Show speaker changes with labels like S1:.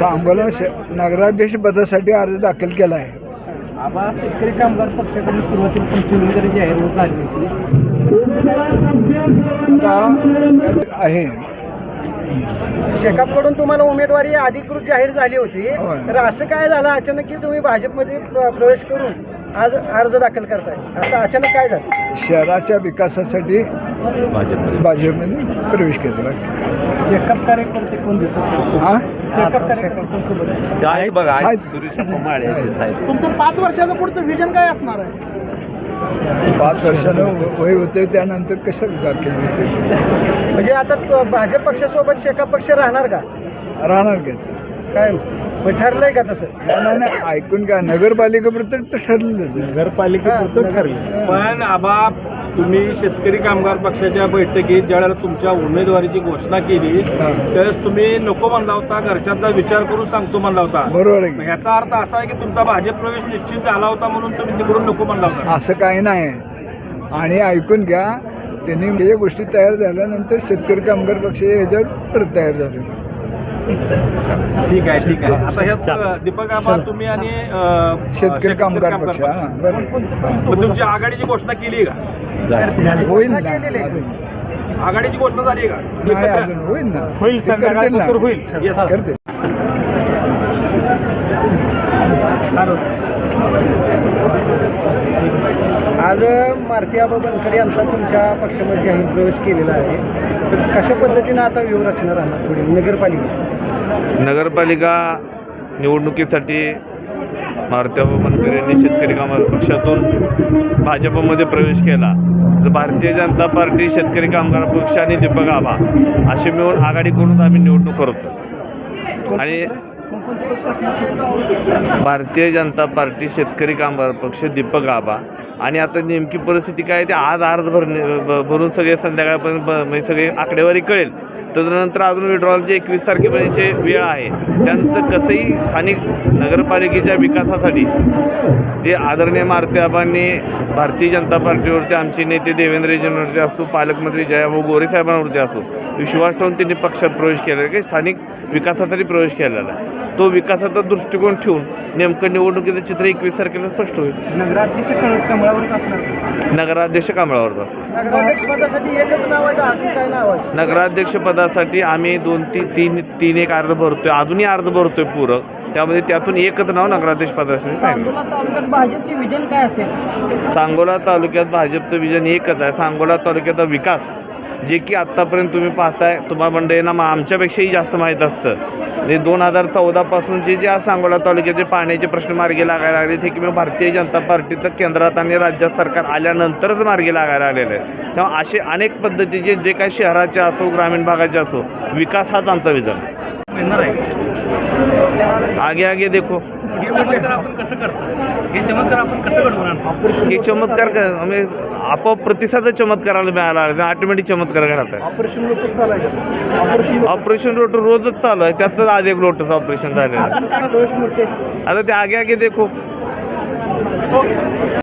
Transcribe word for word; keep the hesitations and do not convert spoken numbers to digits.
S1: सांगोला नगराध्यक्ष पदासाठी अर्ज दाखल केला आहे.
S2: आबा शेतकरी कामगार पक्षाकडून सुरुवातीला तुमची उमेदवारी जाहीर होत झाली होती
S1: आहे.
S2: शेकापकडून तुम्हाला उमेदवारी अधिकृत जाहीर झाली होती,
S1: होय.
S2: तर असं काय झालं अचानक की तुम्ही भाजपमध्ये प्र- प्रवेश करून आज अर्ज दाखल करताय? असं अचानक काय झालं?
S1: शहराच्या विकासासाठी भाजपमध्ये प्रवेश केला.
S2: शेकाप कार्यकर्ते कोण दिसत?
S1: हा
S2: शेकाप कार्यकर्ते
S3: आहे बघा
S1: आहेत.
S3: सुरेश कुमार आहेत, साहेब.
S2: तुमचं पाच वर्षाचं पुढचं विजन काय असणार आहे?
S1: पाच वर्षानं वय होते त्यानंतर कसं दाखल होते
S2: म्हणजे आता त- भाजप पक्षासोबत शेकाप पक्ष राहणार का?
S1: राहणार का?
S2: काय मग ठरलंय का तसं?
S1: नाही नाही, ऐकून का नगरपालिकेपर्यंत ठरलेलंच आहे.
S2: नगरपालिकेपुरतं ठरलं.
S4: पण आबा तुम्ही शेतकरी कामगार पक्षाच्या बैठकीत ज्यावेळेला तुमच्या उमेदवारीची घोषणा केली
S1: हा.
S4: त्यावेळेस तुम्ही नको म्हणला होता, घरच्यांचा विचार करून सांगतो म्हणला होता.
S1: बरोबर आहे
S4: मग
S1: की?
S4: ह्याचा अर्थ असा आहे की तुमचा भाजप प्रवेश निश्चित झाला होता म्हणून तुम्ही तिकडून नको म्हणला होता.
S1: असं काही नाही. आणि ऐकून घ्या, त्यांनी या गोष्टी तयार झाल्यानंतर शेतकरी कामगार पक्ष याच्यावर परत तयार झाले.
S4: ठीक आहे ठीक आहे. आता ह्यात दीपक आबा तुम्ही आणि अं,
S1: शेतकरी कामगार पक्ष
S4: पक्ष.
S1: हा बरं.
S4: मग तुमची आघाडीची घोषणा केली का?
S1: होईल ना
S2: केलेलं आहे.
S1: अजून.
S4: आघाडीची घोषणा झाली का?
S1: नाही अजून होईल ना.
S2: होईल,
S1: ते करतील ना.
S2: संध्याकाळनंतर होईल.
S4: Yes.
S1: करतील.
S2: आज मारुती आबा बनकर यांचा तुमच्या पक्षामध्ये जाहीर प्रवेश केलेला आहे, तर कशा पद्धतीनं आता व्यूहरचना राहणार पुढे नगरपालिका?
S3: नगरपालिका निवडणुकीसाठी मारुतीआबा बनकर यांनी शेतकरी कामगार पक्षातून भाजपमध्ये प्रवेश केला. तर भारतीय जनता पार्टी, शेतकरी कामगार पक्ष आणि दीपक आबा असे मिळून आघाडी करून आम्ही निवडणूक करतो. आणि भारतीय जनता पार्टी, शेतकरी कामगार पक्ष, दीपक आबा. आणि आता नेमकी परिस्थिती काय आहे ते आज अर्ज भरणे भ- भरून सगळे संध्याकाळपर्यंत ब- म्हणजे सगळे आकडेवारी कळेल. त्यानंतर अजून विड्रॉलची एकवीस तारखेपर्यंतची वेळ आहे. त्यानंतर कसंही स्थानिक नगरपालिकेच्या विकासासाठी जे आदरणीय मारुती आबांनी भारतीय जनता पार्टीवरती, आमचे नेते देवेंद्रजींवरती असतो, पालकमंत्री जयाभाऊ गोरे साहेबांवरती असतो, विश्वास ठेवून त्यांनी पक्षात प्रवेश केलेला आहे की स्थानिक विकासासाठी प्रवेश केलेला आहे. तो विकासाचा दृष्टिकोन ठेवून नेमकं निवडणुकीचं चित्र एकवीस तारखेला स्पष्ट होईल.
S2: नगराध्यक्ष कमळावरच असणार.
S3: नगराध्यक्ष कांबळावरचा.
S2: नगराध्यक्ष पदासाठी एकच नाव आहे का अजून काय नाव आहे?
S3: नगराध्यक्ष पदासाठी आम्ही दोन तीन तीन तीन एक अर्ज भरतोय, अजूनही अर्ज भरतोय पूरक. त्यामध्ये त्यातून एकच नाव नगराध्यक्ष पदासाठी सांगितलं.
S2: सांगोला तालुक्यात भाजपचे विजन काय असेल?
S3: सांगोला तालुक्यात भाजपचं विजन एकच आहे. सांगोला तालुक्याचा विकास, जे की आत्तापर्यंत तुम्ही पाहताय, तुम्हा मंडळींना मा आमच्यापेक्षाही जास्त माहीत असतं. म्हणजे दोन हजार चौदापासूनचे जे आज सांगोला तालुक्याचे पाण्याचे प्रश्न मार्गी लागायला लागले ते किंवा भारतीय जनता पार्टीचं केंद्रात आणि राज्यात सरकार आल्यानंतरच मार्गी लागायला आलेलं आहे. तेव्हा असे अनेक पद्धतीचे जे काही शहराचे असो, ग्रामीण भागाचे असो, विकास हाच आमचा विजन आगे आगे देखो.
S4: हे चमत्कार आपण कसं करतो? हे चमत्कार आपण कसं घडवणार?
S3: हे चमत्कार का म्हणजे आपोआप प्रतिसाद चमत्काराला मिळाला, ऑटोमॅटिक चमत्कार घडत आहे.
S2: ऑपरेशन लोटस चालू आहे का? ऑपरेशन
S3: ऑपरेशन रोट रोजच चालू आहे, त्यातच आज एक लोटस ऑपरेशन झालेलं आहे.
S2: लोटस मोठे
S3: आता ते आगे आगे देखो.